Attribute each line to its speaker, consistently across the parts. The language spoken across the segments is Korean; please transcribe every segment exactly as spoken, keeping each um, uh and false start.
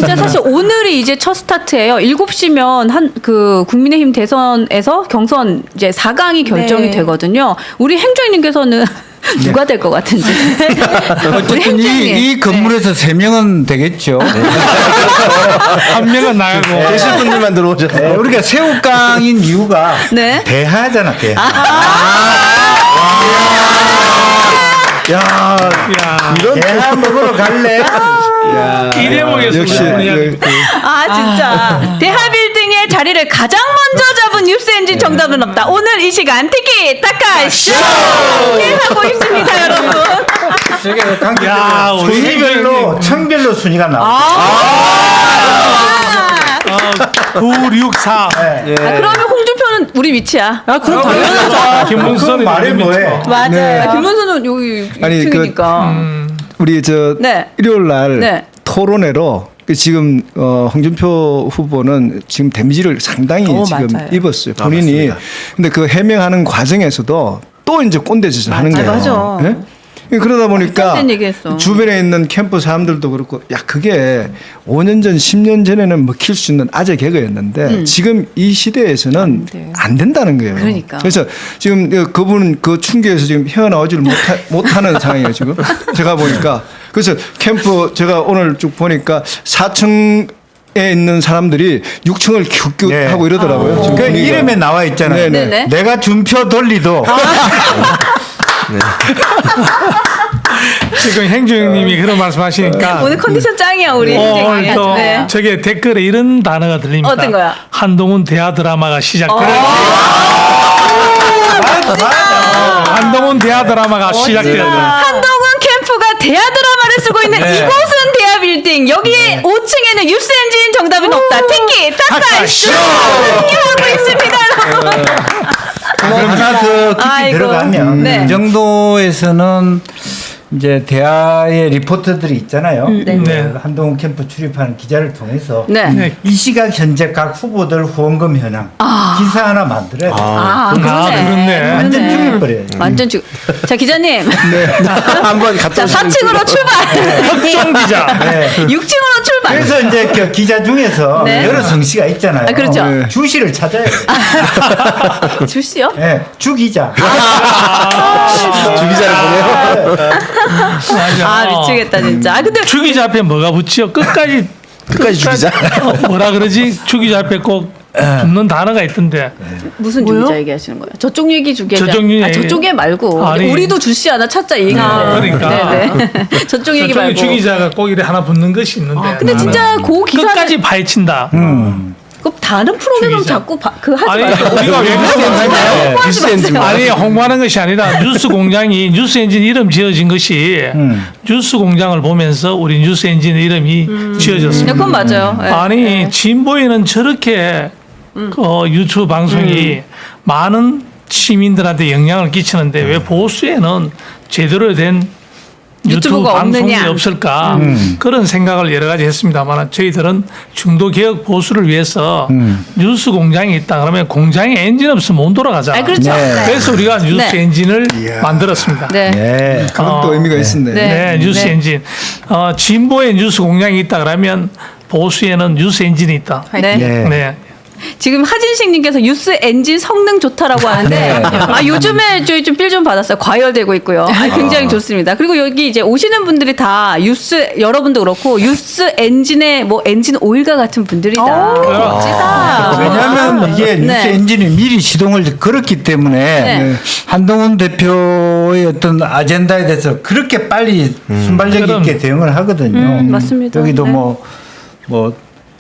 Speaker 1: 진짜 사실 오늘이 이제 첫 스타트예요. 일곱 시면 한 그 국민의힘 대선에서 경선 이제 사 강이 결정이
Speaker 2: 네.
Speaker 1: 되거든요. 우리 행정님께서는 누가 될 것 같은지.
Speaker 3: 어쨌든 이, 이 건물에서 세 명은 되겠죠.
Speaker 4: 한 명은 나가고
Speaker 5: 계실 분들만 들어오셔서.
Speaker 3: 네, 우리가 새우깡인 이유가
Speaker 1: 네.
Speaker 3: 대하잖아, 대하. 야,
Speaker 4: 야,
Speaker 5: 이런
Speaker 3: 대하 먹으러 갈래?
Speaker 4: 이 대목에서
Speaker 5: 역시
Speaker 4: 우리
Speaker 1: 아 진짜 대하빌딩의 자리를 가장 먼저 잡은 뉴스엔진 정답은 없다. 오늘 이 시간 티키 타카 쇼 하고 있습니다, 여러분.
Speaker 3: 저게 관계별로
Speaker 4: 야, 우리
Speaker 3: 순위별로 청별로 순위가 나와.
Speaker 1: 아,
Speaker 4: 구, 육, 사.
Speaker 3: 네.
Speaker 1: 아, 그러면 홍준표는 우리 위치야. 아, 그럼 당연하죠.
Speaker 4: 김문수는
Speaker 3: 말이
Speaker 4: 이름이
Speaker 3: 뭐해?
Speaker 4: 있죠.
Speaker 1: 맞아요.
Speaker 5: 네.
Speaker 1: 아, 김문수는 여기
Speaker 5: 아니, 그,
Speaker 1: 이층이니까.
Speaker 5: 우리 저
Speaker 1: 네.
Speaker 5: 일요일 날
Speaker 1: 네.
Speaker 5: 토론회로 그 지금 어, 홍준표 후보는 지금 데미지를 상당히
Speaker 2: 오,
Speaker 5: 지금
Speaker 2: 맞아요.
Speaker 5: 입었어요.
Speaker 3: 아,
Speaker 5: 본인이.
Speaker 3: 맞습니다.
Speaker 5: 근데 그 해명하는 과정에서도 또 이제 꼰대짓을 하는 거예요.
Speaker 1: 맞아.
Speaker 5: 예? 그러다 보니까
Speaker 1: 말도 안 되는 얘기했어.
Speaker 5: 주변에 있는 캠프 사람들도 그렇고 야 그게 오 년 전, 십 년 전에는 먹힐 수 있는 아재 개그였는데
Speaker 1: 음.
Speaker 5: 지금 이 시대에서는
Speaker 2: 돼요.
Speaker 5: 안 된다는 거예요.
Speaker 1: 그러니까.
Speaker 5: 그래서 지금 그분은 그 충격에서 지금 헤어나오지를 못하, 못하는 상황이에요 지금. 제가 보니까 그래서 캠프 제가 오늘 쭉 보니까 사 층 에 있는 사람들이 육 층을 큐큐
Speaker 3: 네.
Speaker 5: 하고 이러더라고요. 지금
Speaker 3: 그
Speaker 5: 분위기가.
Speaker 3: 이름에 나와 있잖아요.
Speaker 5: 네네.
Speaker 1: 네네.
Speaker 3: 내가 준표 돌리도
Speaker 4: 지금 행주형님이 그런 말씀하시니까
Speaker 1: 오늘 컨디션 짱이야 우리.
Speaker 4: 어,
Speaker 1: 행정이.
Speaker 4: 오늘 또
Speaker 1: 네.
Speaker 4: 저게 댓글에 이런 단어가 들립니다.
Speaker 1: 어떤 거야?
Speaker 4: 한동훈 대하 드라마가 시작되는. 한동훈 대하 드라마가 시작되는.
Speaker 1: 한동훈 캠프가 대하 드라마를 쓰고 있는
Speaker 4: 네.
Speaker 1: 이곳은 대하 빌딩. 여기에 오 층에는 뉴스엔진 정답은 없다. 티키 타카 쇼 하고 있습니다, 여러분.
Speaker 3: 하나 더 깊이
Speaker 1: 아이고.
Speaker 3: 들어가면
Speaker 1: 네.
Speaker 3: 이 정도에서는 이제 대하의 리포터들이 있잖아요.
Speaker 1: 네.
Speaker 3: 그
Speaker 4: 네.
Speaker 3: 한동훈 캠프 출입하는 기자를 통해서
Speaker 1: 네.
Speaker 4: 네.
Speaker 3: 이 시각 현재 각 후보들 후원금 현황 기사 하나 만들어야 돼.
Speaker 1: 아,
Speaker 4: 아, 그렇네.
Speaker 3: 완전
Speaker 1: 그러네.
Speaker 3: 죽여버려요.
Speaker 1: 완전 죽. 자 기자님.
Speaker 5: 한번 갔다
Speaker 1: 자 사 층으로 출발.
Speaker 4: 흑종 기자.
Speaker 3: 네.
Speaker 1: 육 층으로 출발.
Speaker 3: 그래서 이제 그 기자 중에서
Speaker 1: 네.
Speaker 3: 여러 성씨가 있잖아요.
Speaker 1: 아, 그렇죠.
Speaker 5: 네.
Speaker 3: 주씨를 찾아야 돼.
Speaker 1: 주씨요?
Speaker 3: 네. 주기자.
Speaker 5: 주기자를 보내요.
Speaker 4: 맞아.
Speaker 1: 아 미치겠다 진짜. 아 근데
Speaker 4: 주기자 앞에 뭐가 붙여? 끝까지
Speaker 5: 끝까지 주기자.
Speaker 4: 어, 뭐라 그러지? 주기자 앞에 꼭 붙는 단어가 있던데.
Speaker 1: 무슨 주기자 얘기하시는 거예요? 저쪽 얘기 주기자.
Speaker 4: 저쪽 얘기.
Speaker 1: 아 저쪽에 말고
Speaker 4: 아니.
Speaker 1: 우리도 주씨 하나 찾자 이 얘기인데.
Speaker 4: 아, 그러니까.
Speaker 1: 네네. 저쪽 얘기
Speaker 4: 저쪽에
Speaker 1: 말고.
Speaker 4: 주기자가 꼭 이래 하나 붙는 것이 있는데.
Speaker 1: 근데 진짜 그 기사
Speaker 4: 끝까지 파헤친다.
Speaker 3: 음.
Speaker 1: 그 다른 프로그램
Speaker 4: 주기자.
Speaker 1: 자꾸 바, 그 하지
Speaker 4: 아니
Speaker 1: 마세요.
Speaker 4: 우리가 왜
Speaker 5: 뉴스
Speaker 4: 그러냐?
Speaker 5: 엔진 뉴스 엔진
Speaker 4: 아니 홍보하는 것이 아니라 뉴스 공장이 뉴스 엔진 이름 지어진 것이
Speaker 3: 음.
Speaker 4: 뉴스 공장을 보면서 우리 뉴스 엔진 이름이
Speaker 1: 네,
Speaker 4: 지어졌습니다.
Speaker 1: 그건 맞아요. 네.
Speaker 4: 아니 진보에는 저렇게 그 유튜브 방송이 많은 시민들한테 영향을 끼치는데 왜 보수에는 제대로 된 유튜브
Speaker 1: 유튜브가
Speaker 4: 방송이
Speaker 1: 없느냐.
Speaker 4: 없을까
Speaker 3: 음.
Speaker 4: 그런 생각을 여러 가지 했습니다만 저희들은 중도 개혁 보수를 위해서
Speaker 3: 음.
Speaker 4: 뉴스 공장이 있다 그러면 공장에 엔진 없으면 못 돌아가잖아.
Speaker 1: 아 그렇죠.
Speaker 3: 네.
Speaker 1: 네.
Speaker 4: 그래서 우리가 뉴스
Speaker 1: 네.
Speaker 4: 엔진을 만들었습니다.
Speaker 1: 네.
Speaker 3: 네.
Speaker 5: 그건
Speaker 4: 어,
Speaker 5: 또 의미가
Speaker 3: 네.
Speaker 5: 있었네.
Speaker 1: 네.
Speaker 4: 네, 뉴스
Speaker 1: 네.
Speaker 4: 엔진. 어, 진보에 뉴스 공장이 있다 그러면 보수에는 뉴스 엔진이 있다.
Speaker 1: 네.
Speaker 3: 네.
Speaker 4: 네.
Speaker 1: 지금 하진식님께서 뉴스 엔진 성능 좋다라고 하는데
Speaker 3: 네.
Speaker 1: 아 요즘에 저희 좀 필 좀 받았어요. 과열되고 있고요. 아, 굉장히 좋습니다. 그리고 여기 이제 오시는 분들이 다 뉴스 여러분도 그렇고 뉴스 엔진의 뭐 엔진 오일과 같은 분들이다. 멋지다.
Speaker 3: 왜냐하면 이게 뉴스
Speaker 1: 네.
Speaker 3: 엔진이 미리 시동을 걸었기 때문에
Speaker 1: 네.
Speaker 3: 한동훈 대표의 어떤 아젠다에 대해서 그렇게 빨리 순발력
Speaker 4: 그럼.
Speaker 3: 있게 대응을 하거든요.
Speaker 1: 음, 맞습니다.
Speaker 3: 여기도
Speaker 1: 네.
Speaker 3: 뭐, 뭐,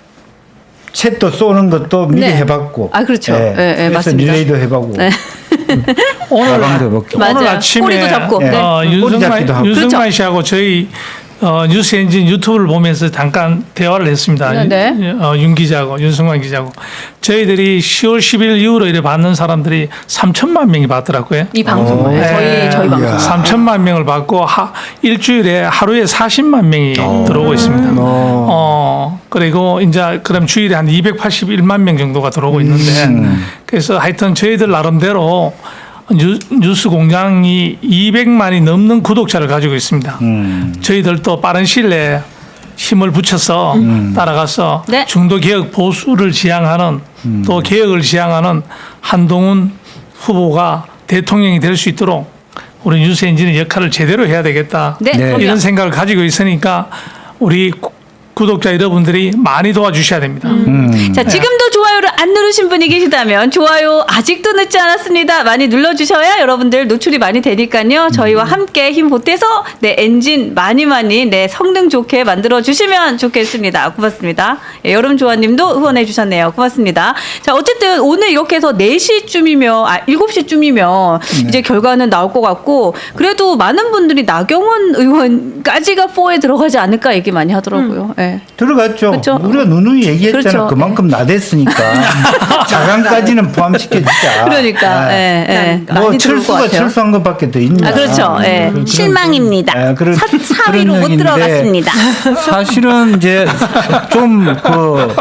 Speaker 3: 챗도 쏘는 것도 미리
Speaker 1: 네.
Speaker 3: 해봤고.
Speaker 1: 아, 그렇죠.
Speaker 3: 예.
Speaker 1: 네, 네,
Speaker 3: 그래서
Speaker 1: 맞습니다.
Speaker 3: 릴레이도 해보고.
Speaker 1: 네.
Speaker 4: 오늘
Speaker 3: 가방도 해봤고.
Speaker 1: 맞아요.
Speaker 4: 오늘 아침에
Speaker 1: 꼬리도 잡고.
Speaker 3: 네.
Speaker 4: 어,
Speaker 3: 꼬리 잡기도
Speaker 4: 윤승만,
Speaker 3: 하고.
Speaker 4: 윤승만
Speaker 1: 그렇죠.
Speaker 4: 씨하고 저희 어, 뉴스 엔진 유튜브를 보면서 잠깐 대화를 했습니다.
Speaker 1: 네, 네.
Speaker 4: 어, 윤 기자하고 윤승만 기자하고 저희들이 시월 십일 이후로 이래 받는 사람들이 삼천만 명이 받더라고요.
Speaker 1: 이 방송을
Speaker 4: 네.
Speaker 1: 저희 저희 방송.
Speaker 4: 삼천만 명을 받고 하, 일주일에 하루에 사십만 명이 들어오고 있습니다. 어, 그리고 이제 그럼 주일에 한 이백팔십일만 명 정도가 들어오고 있는데 그래서 하여튼 저희들 나름대로 뉴, 뉴스 공장이 이백만이 넘는 구독자를 가지고 있습니다.
Speaker 3: 음.
Speaker 4: 저희들도 빠른 시일 내에 힘을 붙여서 따라가서
Speaker 1: 네.
Speaker 4: 중도 개혁 보수를 지향하는 또 개혁을 지향하는 한동훈 후보가 대통령이 될 수 있도록 우리 뉴스 엔진의 역할을 제대로 해야 되겠다.
Speaker 1: 네,
Speaker 3: 네.
Speaker 1: 그럼요.
Speaker 4: 이런 생각을 가지고 있으니까 우리 구- 구독자 여러분들이 많이 도와주셔야 됩니다.
Speaker 3: 음.
Speaker 1: 자, 지금도 좋아요를 안 누르신 분이 계시다면 좋아요 아직도 늦지 않았습니다. 많이 눌러주셔야 여러분들 노출이 많이 되니까요. 저희와 함께 힘 보태서 내 엔진 많이 많이 내 성능 좋게 만들어 주시면 좋겠습니다. 고맙습니다. 예, 여름조아님도 후원해 주셨네요. 고맙습니다. 자, 어쨌든 오늘 이렇게 해서 네 시쯤이면 아 일곱 시쯤이면 이제 결과는 나올 것 같고 그래도 많은 분들이 나경원 의원까지가 사에 들어가지 않을까 얘기 많이 하더라고요. 예.
Speaker 3: 들어갔죠.
Speaker 1: 그렇죠.
Speaker 3: 우리가 누누이 얘기했잖아.
Speaker 1: 그렇죠.
Speaker 3: 그만큼 나댔으니까 자강까지는 포함시켜주자.
Speaker 1: 그러니까
Speaker 3: 아,
Speaker 1: 예, 예.
Speaker 3: 뭐
Speaker 1: 많이 들어올 것
Speaker 3: 철수가
Speaker 1: 같아요.
Speaker 3: 철수한 것밖에 더 있냐.
Speaker 1: 아, 그렇죠. 예.
Speaker 3: 그런-
Speaker 1: 실망입니다.
Speaker 3: 예, 그런-
Speaker 1: 사, 사위로
Speaker 3: 그런
Speaker 1: 못
Speaker 3: 얘기인데
Speaker 1: 들어갔습니다.
Speaker 3: 사실은 이제 좀 그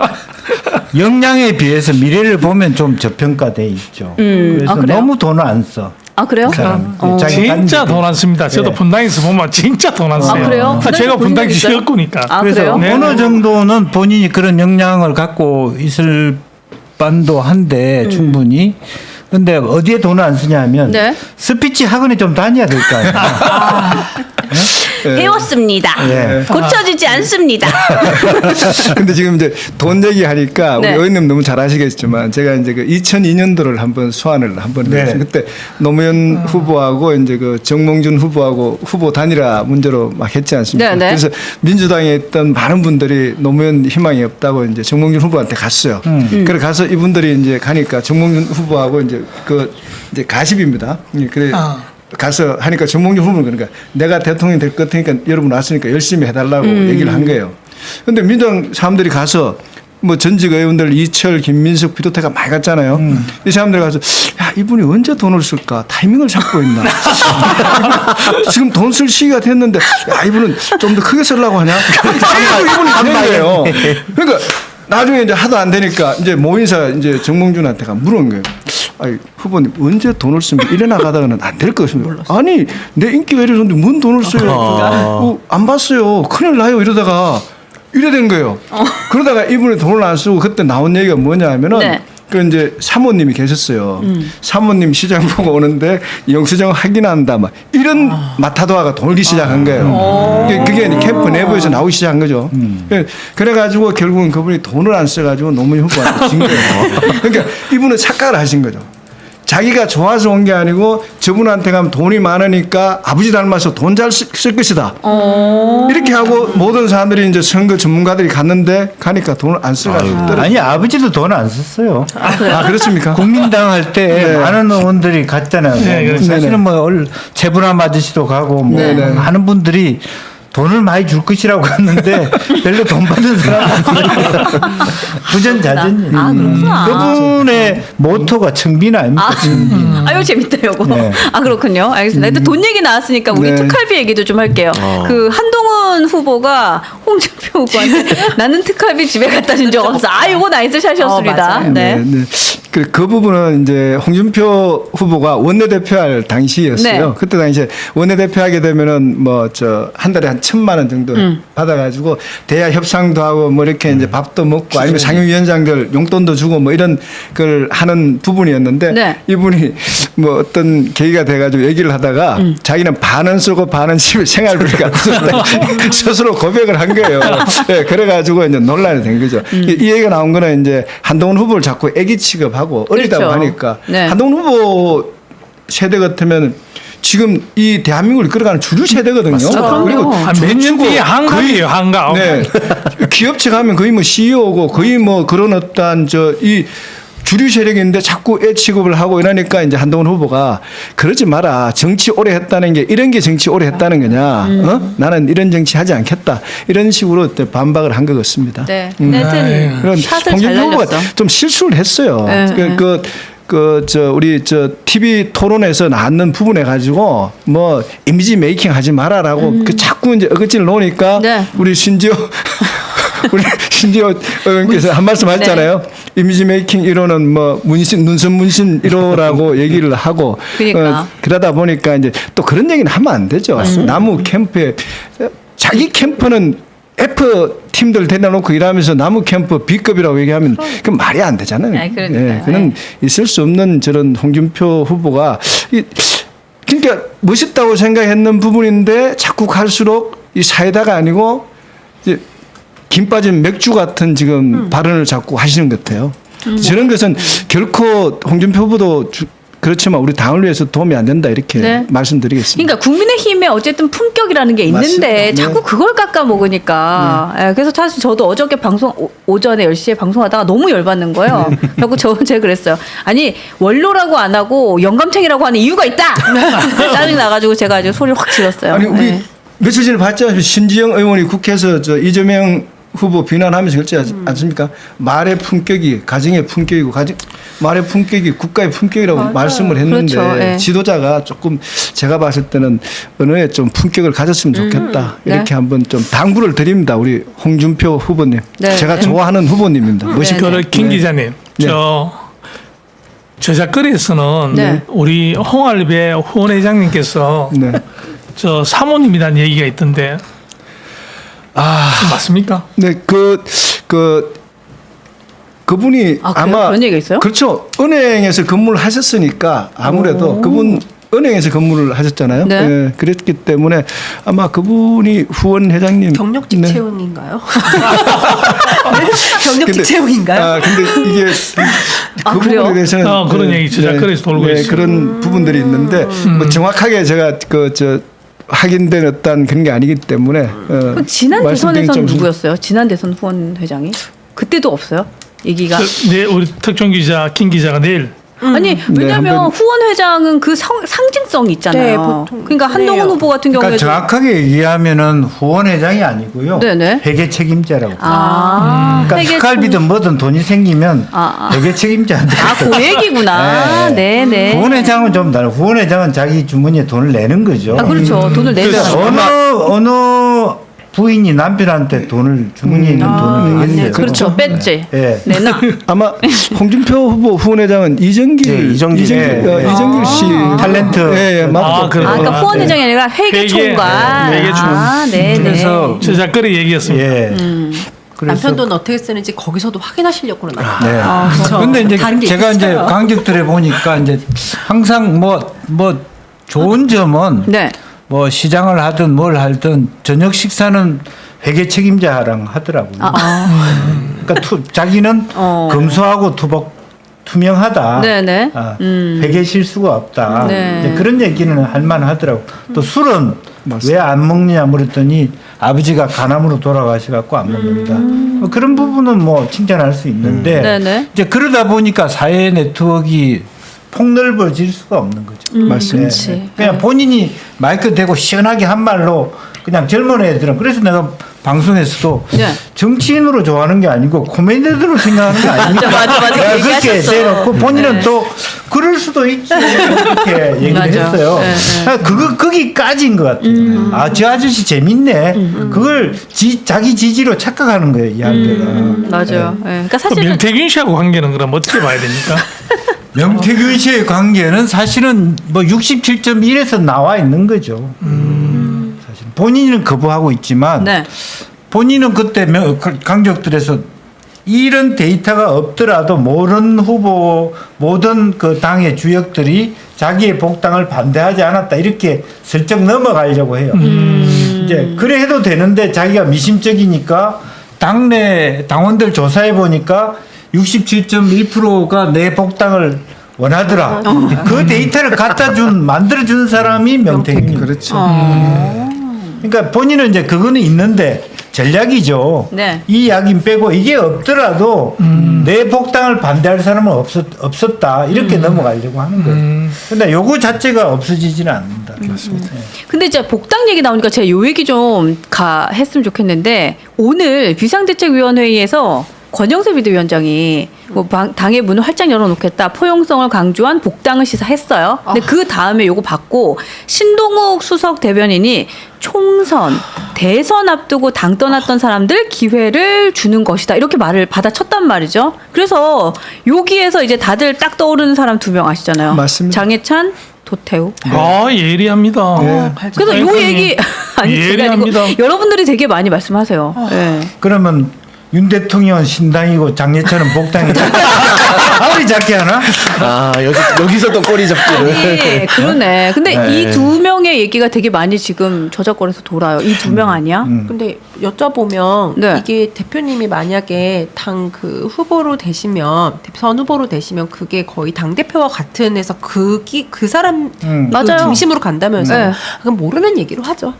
Speaker 3: 역량에 비해서 미래를 보면 좀 저평가돼 있죠.
Speaker 1: 음,
Speaker 3: 그래서
Speaker 1: 아, 그래요?
Speaker 3: 너무 돈을 안 써.
Speaker 1: 아, 그래요?
Speaker 3: 그 사람.
Speaker 1: 어.
Speaker 3: 자기
Speaker 4: 진짜
Speaker 3: 딴
Speaker 4: 돈 안 씁니다. 저도
Speaker 3: 네.
Speaker 4: 분당에서 보면 진짜 돈 안 써요.
Speaker 1: 그래요?
Speaker 4: 아, 제가
Speaker 1: 분당에서 본
Speaker 4: 분당
Speaker 1: 적 있어요?
Speaker 4: 지역구니까.
Speaker 1: 아,
Speaker 3: 그래서
Speaker 1: 그래요?
Speaker 4: 네.
Speaker 3: 어느 정도는 본인이 그런 역량을 갖고 있을 반도 한데 충분히. 근데 어디에 돈을 안 쓰냐면
Speaker 1: 네.
Speaker 3: 스피치 학원에 좀 다녀야 될 거 아니에요.
Speaker 5: 예.
Speaker 1: 배웠습니다.
Speaker 3: 예.
Speaker 1: 고쳐지지 않습니다.
Speaker 5: 근데 지금 이제 돈 얘기하니까 우리
Speaker 1: 네.
Speaker 5: 의원님 너무 잘 아시겠지만 제가 이제 그 이천이 년도를 한번 소환을 한번
Speaker 3: 네.
Speaker 5: 했어요. 그때 노무현 후보하고 이제 그 정몽준 후보하고 후보 단일화 문제로 막 했지 않습니까?
Speaker 1: 네, 네.
Speaker 5: 그래서 민주당에 있던 많은 분들이 노무현 희망이 없다고 이제 정몽준 후보한테 갔어요.
Speaker 1: 음.
Speaker 5: 그래 가서 이분들이 이제 가니까 정몽준 후보하고 이제 그 이제 가십입니다. 예, 그래
Speaker 4: 아.
Speaker 5: 가서 하니까 정몽준 후보는 그러니까 내가 대통령이 될 것 같으니까 여러분 왔으니까 열심히 해달라고
Speaker 1: 음.
Speaker 5: 얘기를 한 거예요. 근데 민주당 사람들이 가서 뭐 전직 의원들 이철, 김민석 비롯해가 많이 갔잖아요.
Speaker 3: 음.
Speaker 5: 이 사람들이 가서 야 이분이 언제 돈을 쓸까 타이밍을 잡고 있나. 지금 돈 쓸 시기가 됐는데 야 이분은 좀 더 크게 쓰려고 하냐. 계속 이분이 가는 거예요. 그러니까 나중에 이제 하도 안 되니까 이제 모인사 이제 정몽준한테 가 물은 거예요. 아니 후보님 언제 돈을 쓰면 이래 나가다가는 안 될 것입니다. 아니 내 인기가 이래서는데 뭔 돈을 써요? 어, 안 봤어요. 큰일 나요 이러다가 이래 된 거예요. 그러다가 이분이 돈을 안 쓰고 그때 나온 얘기가 뭐냐 하면은
Speaker 1: 네.
Speaker 5: 그 이제 사모님이 계셨어요.
Speaker 1: 음.
Speaker 5: 사모님 시장 보고 오는데 영수증 확인한다 막 이런 마타도아가 돌기 시작한 거예요. 그게, 그게 이제 캠프 내부에서 나오기 시작한 거죠. 예, 그래가지고 결국은 그분이 돈을 안 써가지고 노무현 후보한테 진 거예요. 그러니까 이분은 착각을 하신 거죠. 자기가 좋아서 온 게 아니고 저분한테 가면 돈이 많으니까 아버지 닮아서 돈 잘 쓸 것이다. 이렇게 하고 모든 사람들이 이제 선거 전문가들이 갔는데 가니까 돈을 안 써가지고 떨어.
Speaker 3: 아니 아버지도 돈 안 썼어요.
Speaker 5: 아 그렇습니까?
Speaker 3: 국민당 할 때
Speaker 5: 네.
Speaker 3: 많은 의원들이 갔잖아요.
Speaker 4: 네, 그렇죠.
Speaker 3: 사실은 뭐 얼- 재분함 아저씨도 가고 뭐
Speaker 5: 네, 네.
Speaker 3: 많은 분들이 돈을 많이 줄 것이라고 갔는데 별로 돈 받는 사람은 부전자전이에요.
Speaker 1: 아, 그렇구나.
Speaker 3: 그분의 모토가 청빈 아닙니까?
Speaker 1: 아,
Speaker 3: 청빈.
Speaker 1: 아유 재밌다 요거.
Speaker 3: 네.
Speaker 1: 아 그렇군요. 알겠습니다. 일단 돈 얘기 나왔으니까 우리
Speaker 5: 네.
Speaker 1: 특활비 얘기도 좀 할게요. 그 한동훈 후보가 홍준표 후보한테 나는 특활비 집에 갖다 준 적 없어. 아 이거 나이스 샷이었습니다.
Speaker 2: 어, 맞아요.
Speaker 1: 네.
Speaker 5: 네, 네. 그, 그 부분은 이제 홍준표 후보가 원내대표할 당시였어요.
Speaker 1: 네.
Speaker 5: 그때 당시에 원내대표하게 되면은 뭐 저 한 달에 한 천만 원 정도
Speaker 1: 음.
Speaker 5: 받아가지고 대야 협상도 하고 뭐 이렇게 이제 밥도 먹고 아니면 상임위원장들 용돈도 주고 뭐 이런 걸 하는 부분이었는데
Speaker 1: 네.
Speaker 5: 이분이 뭐 어떤 계기가 돼가지고 얘기를 하다가
Speaker 1: 음.
Speaker 5: 자기는 반은 쓰고 반은 집에 생활비를 갖다 스스로 고백을 한 거예요. 네, 그래가지고 이제 논란이 된 거죠.
Speaker 1: 음.
Speaker 5: 이, 이 얘기가 나온 거는 이제 한동훈 후보를 자꾸 애기 취급하고 어리다고
Speaker 1: 그렇죠.
Speaker 5: 하니까
Speaker 1: 네.
Speaker 5: 한동훈 후보 세대 같으면 지금 이 대한민국을 이끌어가는 주류 세대거든요.
Speaker 1: 그럼요.
Speaker 5: 그리고
Speaker 4: 한 몇 년 뒤에 한갑이에요, 한갑.
Speaker 5: 네. 기업체 가면 거의 뭐 씨이오고 거의 뭐 그런 어떤 저 이 주류 세력인데 자꾸 애 취급을 하고 이러니까 이제 한동훈 후보가 그러지 마라. 정치 오래 했다는 게 이런 게 정치 오래 했다는 거냐.
Speaker 1: 음.
Speaker 5: 어? 나는 이런 정치 하지 않겠다. 이런 식으로 반박을 한 것 같습니다.
Speaker 1: 네.
Speaker 5: 음.
Speaker 1: 하여튼
Speaker 5: 그런
Speaker 1: 샷을 잘
Speaker 5: 홍준표 후보가
Speaker 1: 날렸어.
Speaker 5: 좀 실수를 했어요.
Speaker 1: 네,
Speaker 5: 그,
Speaker 1: 네.
Speaker 5: 그, 그, 저, 우리, 저, 티비 토론에서 나왔는 부분에 가지고, 뭐, 이미지 메이킹 하지 마라라고, 그 자꾸 이제 어거지를 놓으니까,
Speaker 1: 네.
Speaker 5: 우리 신지호, 우리 신지호 의원께서 한 말씀 하셨잖아요. 이미지 메이킹 일 호는 뭐, 문신, 눈썹 문신 일 호라고 얘기를 하고,
Speaker 1: 그러니까.
Speaker 5: 어, 그러다 보니까 이제 또 그런 얘기는 하면 안 되죠. 나무 캠프에, 자기 캠프는 F 팀들 데려놓고 일하면서 나무 캠프 B급이라고 얘기하면 그 말이 안 되잖아요.
Speaker 1: 아, 그러니까요.
Speaker 5: 예, 그는 있을 수 없는 저런 홍준표 후보가 이, 그러니까 멋있다고 생각했는 부분인데 자꾸 갈수록 이 사이다가 아니고 이제 김 빠진 맥주 같은 지금
Speaker 1: 음.
Speaker 5: 발언을 자꾸 하시는 것 같아요. 저런 것은 결코 홍준표 후보도 주, 그렇지만 우리 당을 위해서 도움이 안 된다 이렇게
Speaker 1: 네.
Speaker 5: 말씀드리겠습니다.
Speaker 1: 그러니까 국민의힘에 어쨌든 품격이라는 게 있는데
Speaker 5: 맞습니다. 네.
Speaker 1: 자꾸 그걸 깎아 먹으니까 예, 그래서 사실 저도 어저께 방송 오- 오전에 열 시에 방송하다가 너무 열받는 거예요.
Speaker 5: 네.
Speaker 1: 그래서 저 제가 그랬어요. 아니 원로라고 안 하고 영감탱이라고 하는 이유가 있다. 짜증 나가지고 제가 아주 소리를 확 질렀어요.
Speaker 5: 아니 우리
Speaker 1: 네.
Speaker 5: 며칠 전에 봤죠. 신지영 의원이 국회에서 저 이재명 후보 비난하면서 그렇지 않-
Speaker 1: 음.
Speaker 5: 않습니까? 말의 품격이 가정의 품격이고 가정 말의 품격이 국가의 품격이라고
Speaker 1: 맞아요.
Speaker 5: 말씀을 했는데
Speaker 1: 그렇죠. 예.
Speaker 5: 지도자가 조금 제가 봤을 때는 언어에 좀 품격을 가졌으면 좋겠다
Speaker 1: 네.
Speaker 5: 이렇게 한번 좀 당부를 드립니다. 우리 홍준표 후보님
Speaker 1: 네.
Speaker 5: 제가
Speaker 1: 네.
Speaker 5: 좋아하는 후보님입니다. 멋있게.
Speaker 1: 네.
Speaker 4: 그 김 기자님,
Speaker 5: 네.
Speaker 4: 저 저작거리에서는
Speaker 1: 네.
Speaker 4: 우리 홍알배 후원회장님께서
Speaker 5: 네.
Speaker 4: 저 사모님이라는 얘기가 있던데
Speaker 5: 아,
Speaker 4: 맞습니까?
Speaker 5: 네, 그, 그, 그분이
Speaker 1: 아, 그래요?
Speaker 5: 아마
Speaker 1: 그런 얘기가 있어요?
Speaker 5: 그렇죠. 은행에서 근무를 하셨으니까 아무래도
Speaker 1: 오.
Speaker 5: 그분 은행에서 근무를 하셨잖아요.
Speaker 1: 네.
Speaker 5: 예, 그랬기 때문에 아마 그분이 후원 회장님
Speaker 2: 경력직
Speaker 5: 네.
Speaker 2: 채용인가요? 경력직
Speaker 5: 근데-
Speaker 2: 채용인가요?
Speaker 5: 아, 근데 이게
Speaker 1: 아,
Speaker 5: 그
Speaker 1: 그래요?
Speaker 5: 부분에 대해서는
Speaker 4: 어, 그런 얘기 저작거리에서 돌고 있어요.
Speaker 5: 그런 부분들이 있는데 뭐 정확하게 제가 그 저 확인된 어떤 그런 게 아니기 때문에 어,
Speaker 1: 그 지난
Speaker 5: 말씀드리기
Speaker 1: 대선에서는
Speaker 5: 좀-
Speaker 1: 누구였어요? 지난 대선 후원 회장이 그때도 없어요? 얘기가.
Speaker 4: 저, 네, 우리 특종 기자 김 기자가 내일
Speaker 1: 아니 왜냐하면
Speaker 5: 한번-
Speaker 1: 후원 회장은 그 성, 상징성이 있잖아요.
Speaker 2: 네, 보통
Speaker 1: 그러니까 한동훈
Speaker 2: 그래요.
Speaker 1: 후보 같은
Speaker 3: 그러니까
Speaker 1: 경우에도
Speaker 3: 정확하게 얘기하면은 후원회장이 아니고요.
Speaker 1: 네네.
Speaker 3: 회계 책임자라고.
Speaker 1: 아,
Speaker 3: 그러니까
Speaker 1: 회계
Speaker 3: 특갈비든 뭐든 돈이 생기면
Speaker 1: 아, 아.
Speaker 3: 회계 책임자한테.
Speaker 1: 아, 그 얘기구나. 네, 네.
Speaker 3: 후원회장은 좀 다르고 후원회장은 자기 주머니에 돈을 내는 거죠.
Speaker 1: 아, 그렇죠. 돈을 내죠.
Speaker 3: 그래서 어느 어느 부인이 남편한테 돈을 주머니에 있는 돈을 내겠어요.
Speaker 2: 네,
Speaker 1: 그렇죠. 뺐지.
Speaker 3: 예.
Speaker 1: 내나.
Speaker 5: 아마 홍준표 후보 후원회장은 이정길
Speaker 6: 네, 이정길.
Speaker 5: 이정길,
Speaker 3: 예,
Speaker 5: 어,
Speaker 3: 예.
Speaker 5: 이정길 씨
Speaker 3: 탤런트.
Speaker 5: 예, 예, 맞고.
Speaker 4: 아, 그래요?
Speaker 1: 아, 그러니까
Speaker 4: 아,
Speaker 1: 후원
Speaker 4: 네.
Speaker 1: 회장이 아니라 회계
Speaker 4: 회계,
Speaker 1: 총괄.
Speaker 4: 네, 회계 총괄.
Speaker 1: 아, 네, 네.
Speaker 3: 그래서
Speaker 4: 저작거리 얘기였습니다.
Speaker 3: 예. 그래서
Speaker 2: 남편 돈 어떻게 쓰는지 거기서도 확인하시려고 그러나.
Speaker 3: 네.
Speaker 1: 아, 그렇죠.
Speaker 3: 근데 이제
Speaker 2: 다른 게
Speaker 3: 제가 이제
Speaker 2: 있어요.
Speaker 3: 강적들에 보니까 이제 항상 뭐 뭐 좋은 점은
Speaker 1: 네.
Speaker 3: 뭐 시장을 하든 뭘 하든 저녁 식사는 회계 책임자랑 하더라고요.
Speaker 1: 아, 아.
Speaker 3: 그러니까 투, 자기는
Speaker 1: 어.
Speaker 3: 검소하고 투복 투명하다.
Speaker 1: 네네.
Speaker 3: 아,
Speaker 1: 음.
Speaker 3: 회계 실수가 없다.
Speaker 1: 네.
Speaker 3: 이제 그런 얘기는 할 만하더라고. 또 술은 왜 안 먹느냐 물었더니 아버지가 간암으로 돌아가셔갖고 안 먹는다. 뭐 그런 부분은 뭐 칭찬할 수 있는데
Speaker 1: 음. 네네.
Speaker 3: 이제 그러다 보니까 사회 네트워크가 폭넓어질 수가 없는 거죠.
Speaker 1: 음,
Speaker 5: 맞습니다.
Speaker 1: 그렇지.
Speaker 3: 그냥 본인이 마이크 대고 시원하게 한 말로 그냥 젊은 애들은 그래서 내가 방송에서도
Speaker 1: 네.
Speaker 3: 정치인으로 좋아하는 게 아니고 코미디언으로 생각하는 게 아니니까
Speaker 1: 맞아, 맞아, 맞아.
Speaker 3: 내가 그렇게
Speaker 1: 얘기하셨어.
Speaker 3: 대놓고 본인은
Speaker 1: 네.
Speaker 3: 또 그럴 수도 있지 이렇게 얘기를
Speaker 1: 맞아.
Speaker 3: 했어요.
Speaker 1: 네, 네.
Speaker 3: 아, 그거 거기까지인 것 같아요. 아, 저 아저씨 재밌네. 그걸 지, 자기 지지로 착각하는 거예요, 이야기가.
Speaker 1: 음, 맞아요. 예. 그러니까
Speaker 4: 그
Speaker 1: 사실은
Speaker 4: 명태균 씨하고 관계는 그럼 어떻게 봐야 됩니까?
Speaker 3: 명태균 씨의 관계는 사실은 뭐 육십칠 점 일에서 나와 있는 거죠. 사실 본인은 거부하고 있지만
Speaker 1: 네.
Speaker 3: 본인은 그때 명- 강적들에서 이런 데이터가 없더라도 모든 후보 모든 그 당의 주역들이 자기의 복당을 반대하지 않았다 이렇게 슬쩍 넘어가려고 해요. 이제 그래 해도 되는데 자기가 미심쩍이니까 당내 당원들 조사해 보니까 육십칠 점 일 퍼센트가 내 복당을 원하더라. 그 데이터를 갖다 준 만들어 준 사람이 명태균.
Speaker 5: 그렇죠.
Speaker 3: 그러니까 본인은 이제 그거는 있는데 전략이죠.
Speaker 1: 네.
Speaker 3: 이 이야기는 빼고 이게 없더라도 내 복당을 반대할 사람은 없었, 없었다. 이렇게 넘어가려고 하는 거예요. 근데 요거 자체가 없어지지는 않는다. 그렇습니다.
Speaker 1: 근데 이제 복당 얘기 나오니까 제가 요 얘기 좀 가 했으면 좋겠는데 오늘 비상대책위원회의에서 권영세 비대위원장이 뭐 방- 당의 문을 활짝 열어놓겠다 포용성을 강조한 복당을 시사했어요. 근데 그 다음에 요거 받고 신동욱 수석 대변인이 총선 대선 앞두고 당 떠났던 사람들 기회를 주는 것이다 이렇게 말을 받아쳤단 말이죠. 그래서 여기에서 이제 다들 딱 떠오르는 사람 두 명 아시잖아요.
Speaker 5: 맞습니다.
Speaker 1: 장해찬 도태우.
Speaker 4: 아 예리합니다.
Speaker 5: 네.
Speaker 1: 그래서 요 얘기 아니 제가 아니고
Speaker 4: 예리합니다.
Speaker 1: 여러분들이 되게 많이 말씀하세요. 예.
Speaker 3: 그러면 윤 대통령은 신당이고 장례철은 복당이다. 아무리 작게 하나?
Speaker 6: 아 여기 여기서 또 꼬리 잡기를.
Speaker 1: 아니, 그러네. 근데
Speaker 6: 네.
Speaker 1: 이 두 명의 얘기가 되게 많이 지금 저작권에서 돌아요. 이 두 명 아니야?
Speaker 3: 음.
Speaker 2: 근데 여쭤보면
Speaker 1: 네.
Speaker 2: 이게 대표님이 만약에 당 그 후보로 되시면 선 후보로 되시면 그게 거의 당 대표와 같은 해서 그기 그 사람
Speaker 3: 음.
Speaker 2: 그
Speaker 1: 맞아요.
Speaker 2: 중심으로 간다면서
Speaker 1: 네.
Speaker 2: 그럼 모르는 얘기로 하죠.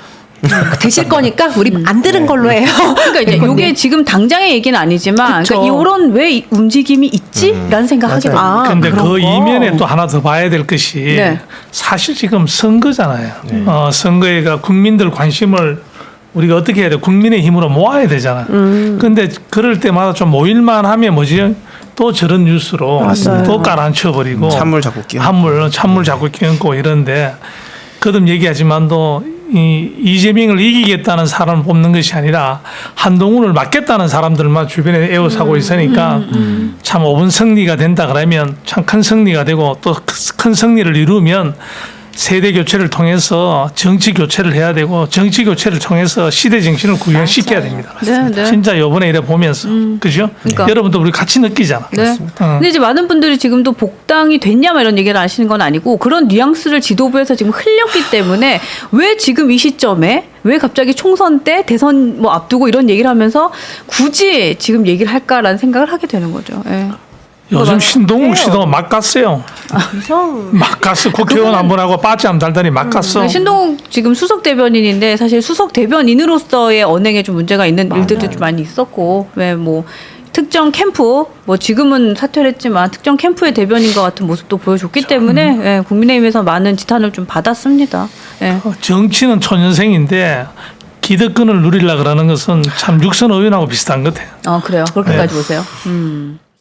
Speaker 2: 되실 거니까 우리 안 들은 걸로 해요.
Speaker 1: 그러니까 이제 요게 지금 당장의 얘기는 아니지만
Speaker 2: 그쵸.
Speaker 1: 그러니까 이런 왜 이 움직임이 있지라는 생각 하게 됩니다.
Speaker 2: 아,
Speaker 4: 근데
Speaker 2: 그런
Speaker 4: 그
Speaker 2: 거.
Speaker 4: 이면에 또 하나 더 봐야 될 것이
Speaker 1: 네.
Speaker 4: 사실 지금 선거잖아요. 어, 선거에가 국민들 관심을 우리가 어떻게 해야 돼? 국민의 힘으로 모아야 되잖아.
Speaker 1: 음.
Speaker 4: 근데 그럴 때마다 좀 모일만 하면 뭐지? 또 저런 뉴스로 또 깔아앉혀버리고
Speaker 6: 찬물 자꾸 끼얹고.
Speaker 4: 한물 찬물 자꾸 끼얹고 이런데 거듭 얘기하지만도 이 이재명을 이기겠다는 사람을 뽑는 것이 아니라 한동훈을 막겠다는 사람들만 주변에 에워싸고 있으니까 참 오 분 승리가 된다 그러면 참 큰 승리가 되고 또 큰 승리를 이루면 세대 교체를 통해서 정치 교체를 해야 되고 정치 교체를 통해서 시대 정신을 구현시켜야 됩니다.
Speaker 1: 네, 네.
Speaker 4: 진짜 이번에 이래 보면서 그죠?
Speaker 1: 그러니까.
Speaker 4: 여러분도 우리 같이 느끼잖아.
Speaker 1: 네.
Speaker 4: 어.
Speaker 1: 근데 이제 많은 분들이 지금도 복당이 됐냐 막 이런 얘기를 하시는 건 아니고 그런 뉘앙스를 지도부에서 지금 흘렸기 때문에 왜 지금 이 시점에 왜 갑자기 총선 때 대선 뭐 앞두고 이런 얘기를 하면서 굳이 지금 얘기를 할까라는 생각을 하게 되는 거죠. 예.
Speaker 4: 요즘 신동욱 씨도 막 갔어요.
Speaker 2: 이성
Speaker 4: 막 갔어. 국회의원 한 번 하고 빠지 안 달더니 막 갔어.
Speaker 1: 그 신동욱 지금 수석 대변인인데 사실 수석 대변인으로서의 언행에 좀 문제가 있는 일들도 좀 많이 있었고 왜 뭐 특정 캠프 뭐 지금은 사퇴를 했지만 특정 캠프의 대변인 것 같은 모습도 보여줬기 때문에 예, 국민의힘에서 많은 지탄을 좀 받았습니다. 예.
Speaker 4: 정치는 초년생인데 기득권을 누리려 그러는 것은 참 육선 의원하고 비슷한 것 같아요.
Speaker 1: 어 그래요. 그렇게까지 보세요. 음.